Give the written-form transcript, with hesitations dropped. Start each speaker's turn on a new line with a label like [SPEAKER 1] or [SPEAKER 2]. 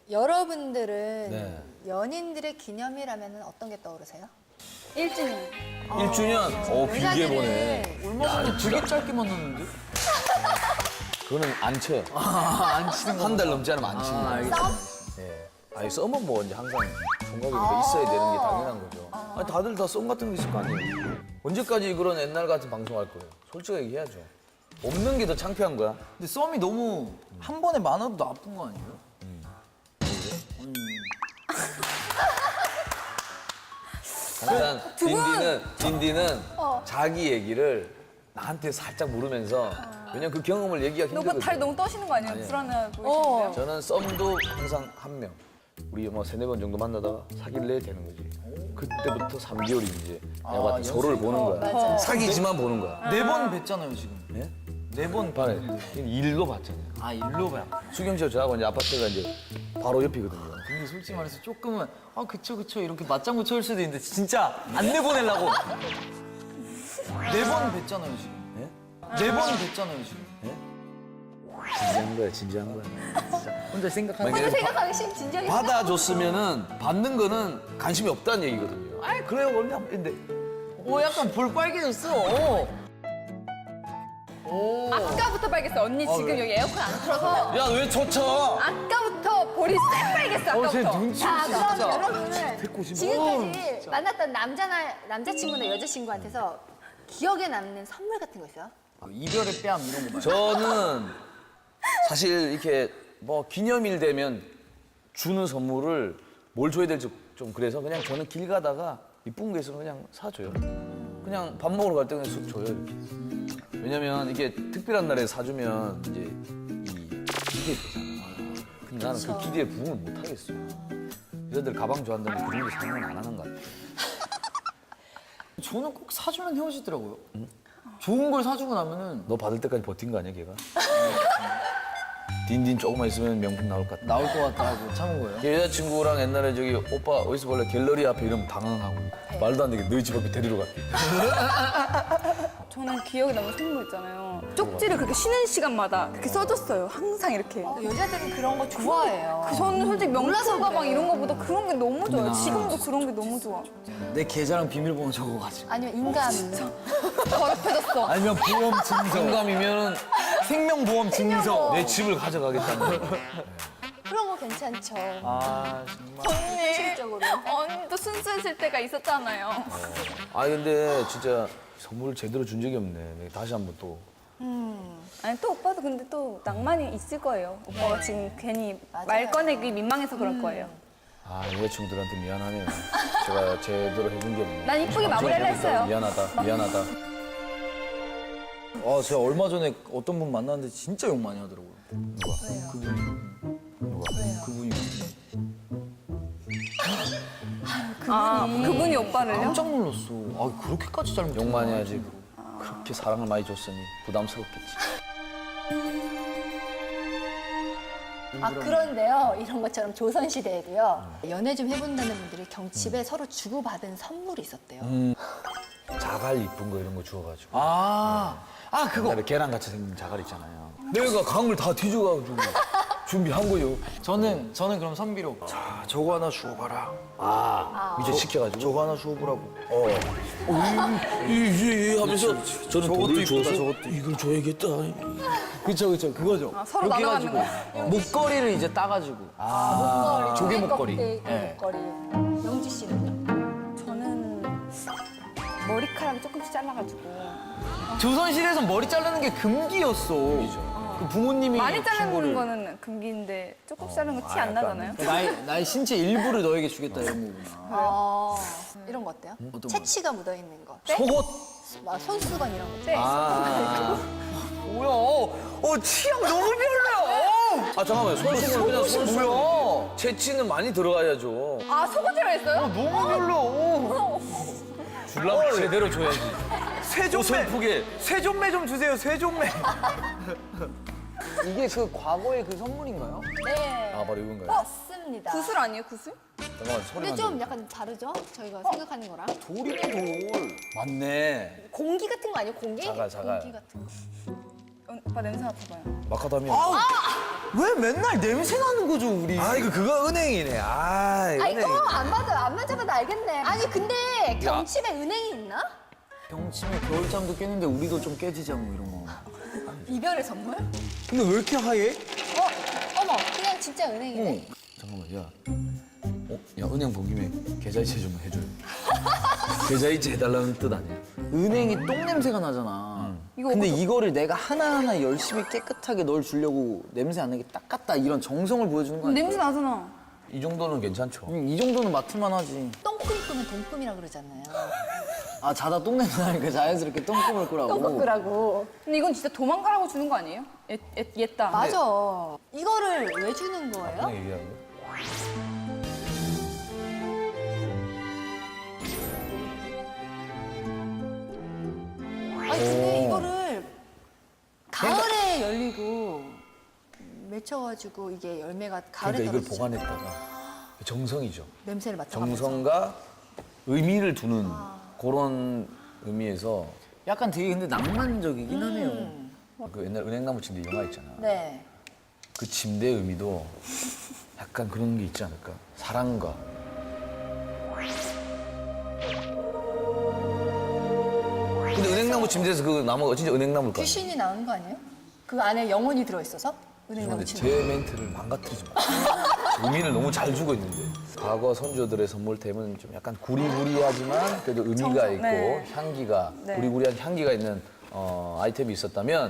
[SPEAKER 1] 여러분들은
[SPEAKER 2] 네.
[SPEAKER 1] 연인들의 기념일하면 어떤 게 떠오르세요?
[SPEAKER 3] 1주년.
[SPEAKER 2] 1주년? 오, 길게 보네.
[SPEAKER 4] 얼마 전에 되게 짧게 만났는데?
[SPEAKER 2] 그거는 안 쳐요.
[SPEAKER 4] 안 치는
[SPEAKER 2] 한 달 넘지 않으면 안 치는 거예요. 예. 아니, 썸은 뭐 이제 항상 총각이 있어야 되는 게 당연한 거죠. 아니, 다들 다 썸 같은 거 있을 거 아니에요. 언제까지 그런 옛날 같은 방송 할 거예요? 솔직하게 얘기해야죠. 없는 게 더 창피한 거야.
[SPEAKER 4] 근데 썸이 너무 한 번에 많아도 나쁜 거 아니에요?
[SPEAKER 2] 일단 딘디는 자기 얘기를 나한테 살짝 물으면서 왜냐면 그 경험을 얘기하기
[SPEAKER 3] 너무
[SPEAKER 2] 힘들거든.
[SPEAKER 3] 다리 너무 떠시는 거 아니에요?
[SPEAKER 2] 아니에요.
[SPEAKER 3] 불안해하고.
[SPEAKER 2] 저는 썸도 항상 한 명. 우리 뭐 세네 번 정도 만나다가 사귈래 되는 거지. 그때부터 3개월이 이제 내가 봤을 때 서로를 보는 거야.
[SPEAKER 1] 맞아요.
[SPEAKER 2] 사귀지만 보는 거야.
[SPEAKER 4] 4번 뵀잖아요, 지금.
[SPEAKER 2] 예?
[SPEAKER 4] 4번
[SPEAKER 2] 반에 일로 봤잖아요.
[SPEAKER 4] 아, 일로 봐요.
[SPEAKER 2] 수경 씨와 저하고 이제 아파트가 이제 바로 옆이거든요.
[SPEAKER 4] 근데 솔직히 말해서 조금은 그쵸 이렇게 맞장구 쳐올 수도 있는데 진짜 안 내보내려고 4번 뵀잖아요, 지금.
[SPEAKER 2] 예?
[SPEAKER 4] 4번 뵀잖아요, 지금.
[SPEAKER 2] 진지한 거야, 진지한 거야.
[SPEAKER 4] 혼자 생각하는
[SPEAKER 2] 만약에
[SPEAKER 1] 생각하기 진지하게
[SPEAKER 2] 받아줬으면은 받는 거는 관심이 없다는 얘기거든요. 아이 그래요, 원래 근데
[SPEAKER 4] 약간 볼 빨개졌어.
[SPEAKER 3] 아까부터 빨겠어. 언니 지금 여기 에어컨 안 틀어서
[SPEAKER 2] 야 왜 젖혀?
[SPEAKER 3] 아까부터 볼이 쎄빨겠어. 아까부터.
[SPEAKER 1] 자, 그럼
[SPEAKER 4] 진짜.
[SPEAKER 1] 여러분은 지금까지 만났던 남자친구나 여자친구한테서 기억에 남는 선물 같은 거 있어요?
[SPEAKER 4] 이별의 뺨 이런 거 봐요.
[SPEAKER 2] 저는 사실 이렇게 뭐 기념일 되면 주는 선물을 뭘 줘야 될지 좀 그래서 그냥 저는 길 가다가 이쁜 게 있으면 그냥 사줘요. 그냥 밥 먹으러 갈 때 그냥 쑥 줘요, 이렇게. 왜냐면 이게 특별한 날에 사주면 이제 기대되잖아. 근데 나는 그 기대에 부응을 못 하겠어. 여자들 가방 좋아한다는데 그런 거 상관 안 하는 것 같아.
[SPEAKER 4] 저는 꼭 사주면 헤어지더라고요. 좋은 걸 사주고 나면은
[SPEAKER 2] 너 받을 때까지 버틴 거 아니야, 걔가? 딘딘 조금만 있으면 명품 나올 것 같아.
[SPEAKER 4] 나올 것 같다 하고 참은 거예요.
[SPEAKER 2] 걔 여자친구랑 옛날에 저기 오빠 어디서 볼래 갤러리 앞에 이러면 당황하고 말도 안 되게 너희 집 앞에 데리러 갈게.
[SPEAKER 3] 저는 기억에 남는 선물 있잖아요. 쪽지를 그렇게 쉬는 시간마다 그렇게 써줬어요. 항상 이렇게.
[SPEAKER 1] 여자들은 그런 거 좋아해요.
[SPEAKER 3] 저는 솔직히 명품
[SPEAKER 1] 그래.
[SPEAKER 3] 가방 이런 거보다 그런 게 너무 좋아요. 지금도 그런 게 너무 좋아.
[SPEAKER 4] 내 계좌랑 비밀번호 적어가지고.
[SPEAKER 1] 아니면 인간.
[SPEAKER 3] 더럽혀졌어.
[SPEAKER 4] 아니면 보험 증서.
[SPEAKER 2] 공감이면은
[SPEAKER 4] 생명보험 증서.
[SPEAKER 2] 내 집을 가져가겠다는 거.
[SPEAKER 1] 그런 거 괜찮죠.
[SPEAKER 4] 아 정말.
[SPEAKER 1] 실적으로.
[SPEAKER 3] 언니도 순수했을 때가 있었잖아요.
[SPEAKER 2] 아 근데 진짜 선물을 제대로 준 적이 없네. 다시 한번 또.
[SPEAKER 3] 아니 또 오빠도 근데 또 낭만이 있을 거예요. 오빠가 지금 괜히
[SPEAKER 1] 맞아요.
[SPEAKER 3] 말 꺼내기 민망해서 그럴 거예요.
[SPEAKER 2] 아 여자친구들한테 미안하네요. 제가 제대로 해준 게 없네.
[SPEAKER 3] 난 이쁘게 마무리를 했어요.
[SPEAKER 2] 미안하다.
[SPEAKER 4] 제가 얼마 전에 어떤 분 만났는데 진짜 욕 많이 하더라고요.
[SPEAKER 2] 누가?
[SPEAKER 4] 그분이.
[SPEAKER 3] 그분이 오빠를요?
[SPEAKER 4] 깜짝 놀랐어. 그렇게까지 잘못.
[SPEAKER 2] 욕 많이 하지. 그렇게 사랑을 많이 줬으니 부담스럽겠지.
[SPEAKER 1] 그런데요, 이런 것처럼 조선시대에도요, 연애 좀 해본다는 분들이 경칩에 서로 주고받은 선물이 있었대요.
[SPEAKER 2] 자갈 이쁜 거 이런 거 주워가지고.
[SPEAKER 4] 그거.
[SPEAKER 2] 옛날에 계란같이 생긴 자갈 있잖아요. 내가 강을 다 뒤져가지고 준비한 거요.
[SPEAKER 4] 저는 그럼 선비로. 자, 저거 하나 주워봐라.
[SPEAKER 2] 이제 시켜가지고.
[SPEAKER 4] 저거 하나 주워보라고.
[SPEAKER 2] 하면서 저는
[SPEAKER 4] 저것도
[SPEAKER 2] 돈을
[SPEAKER 4] 이쁘다,
[SPEAKER 2] 줘서
[SPEAKER 4] 저것도.
[SPEAKER 2] 이걸 줘야겠다.
[SPEAKER 4] 그쵸, 그거죠.
[SPEAKER 3] 서로
[SPEAKER 4] 그렇게
[SPEAKER 3] 나눠가는
[SPEAKER 4] 해가지고 목걸이를 이제 따가지고. 조개 목걸이.
[SPEAKER 1] 목걸이. 영지 씨는요?
[SPEAKER 3] 저는 머리카락이 조금씩 잘라가지고
[SPEAKER 4] 조선시대에서 머리 자르는 게 금기였어. 그 부모님이
[SPEAKER 3] 많이
[SPEAKER 4] 준
[SPEAKER 3] 자르는
[SPEAKER 4] 거를.
[SPEAKER 3] 거는 금기인데 조금씩 자르는 거 티 안 나잖아요.
[SPEAKER 4] 나의 신체 일부를 너에게 주겠다 이런 거구나.
[SPEAKER 1] 이런 거 어때요?
[SPEAKER 4] 어떤 거?
[SPEAKER 1] 채취가 묻어있는 거.
[SPEAKER 4] 속옷.
[SPEAKER 1] 막 손수건 이런 거.
[SPEAKER 3] 네.
[SPEAKER 4] 뭐야? 취향 너무 별로야.
[SPEAKER 2] 잠깐만요. 손수건 그냥 손수건.
[SPEAKER 4] 뭐야?
[SPEAKER 2] 채취는 많이 들어가야죠.
[SPEAKER 3] 속옷이라 했어요?
[SPEAKER 4] 너무 별로.
[SPEAKER 2] 줄라면 제대로 줘야지.
[SPEAKER 4] 세존매 좀 주세요. 세존매. 이게 그 과거의 그 선물인가요?
[SPEAKER 1] 네.
[SPEAKER 2] 바로 이건가요?
[SPEAKER 1] 맞습니다.
[SPEAKER 3] 구슬 아니에요, 구슬?
[SPEAKER 2] 잠깐만 소리만
[SPEAKER 1] 근데 좀
[SPEAKER 2] 들려.
[SPEAKER 1] 약간 다르죠? 저희가 생각하는 거랑.
[SPEAKER 4] 돌이네 돌.
[SPEAKER 2] 맞네.
[SPEAKER 1] 공기 같은 거 아니에요? 공기?
[SPEAKER 2] 자갈.
[SPEAKER 1] 공기 같은 거.
[SPEAKER 3] 오빠 냄새 맡아봐요.
[SPEAKER 2] 마카다미아.
[SPEAKER 4] 왜 맨날 냄새 나는 거죠 우리?
[SPEAKER 2] 아 이거 그거 은행이네. 아 이거
[SPEAKER 1] 아니
[SPEAKER 2] 은행.
[SPEAKER 1] 안 맞아봐도 알겠네. 아니 근데 경칩에 은행이 있나?
[SPEAKER 4] 병침에 겨울잠도 깨는데 우리도 좀 깨지자 뭐 이런 거.
[SPEAKER 1] 이별의 선물?
[SPEAKER 4] 근데 왜 이렇게 하얘?
[SPEAKER 1] 어머 그냥 진짜 은행이네.
[SPEAKER 2] 잠깐만 야. 야 은행 본 김에 계좌이체 좀 해줘요. 계좌이체 해달라는 뜻 아니야?
[SPEAKER 4] 은행이 똥 냄새가 나잖아. 근데 이거를 내가 하나하나 열심히 깨끗하게 널 주려고 냄새 안 나게 닦았다 이런 정성을 보여주는 거 아니야?
[SPEAKER 3] 냄새 나잖아.
[SPEAKER 2] 이 정도는 괜찮죠.
[SPEAKER 4] 이 정도는 맡을만 하지.
[SPEAKER 1] 똥꿈 꾸면 동꿈이라 그러잖아요.
[SPEAKER 4] 아 자다 똥 냄새 나니까 자연스럽게 똥꿈을 꾸라고.
[SPEAKER 1] 똥꿈 꾸라고.
[SPEAKER 3] 근데 이건 진짜 도망가라고 주는 거 아니에요? 옛다.
[SPEAKER 1] 맞아. 이거를 왜 주는 거예요?
[SPEAKER 2] 그냥 얘기하는 거.
[SPEAKER 1] 아니 근데 이거를 가을에 열리고 맺혀가지고 이게 열매가 가을에
[SPEAKER 2] 그러니까 이걸
[SPEAKER 1] 떨어지죠.
[SPEAKER 2] 보관했다가 정성이죠.
[SPEAKER 1] 냄새를 맡아가면서.
[SPEAKER 2] 정성과 의미를 두는 그런 의미에서
[SPEAKER 4] 약간 되게 근데 낭만적이긴 하네요.
[SPEAKER 2] 그 옛날 은행나무 침대 영화 있잖아.
[SPEAKER 1] 네.
[SPEAKER 2] 그 침대의 의미도 약간 그런 게 있지 않을까? 사랑과. 근데 은행나무 침대에서 그 나무가 진짜 은행나무일까?
[SPEAKER 1] 귀신이 나오는 거 아니에요? 그 안에 영혼이 들어있어서? 은행나무
[SPEAKER 2] 죄송한데
[SPEAKER 1] 침대.
[SPEAKER 2] 제 멘트를 망가뜨리지 마. 의미를 너무 잘 주고 있는데. 과거 선조들의 선물템은 좀 약간 구리구리하지만 그래도 의미가 있고
[SPEAKER 3] 네.
[SPEAKER 2] 향기가
[SPEAKER 3] 네.
[SPEAKER 2] 구리구리한 향기가 있는 아이템이 있었다면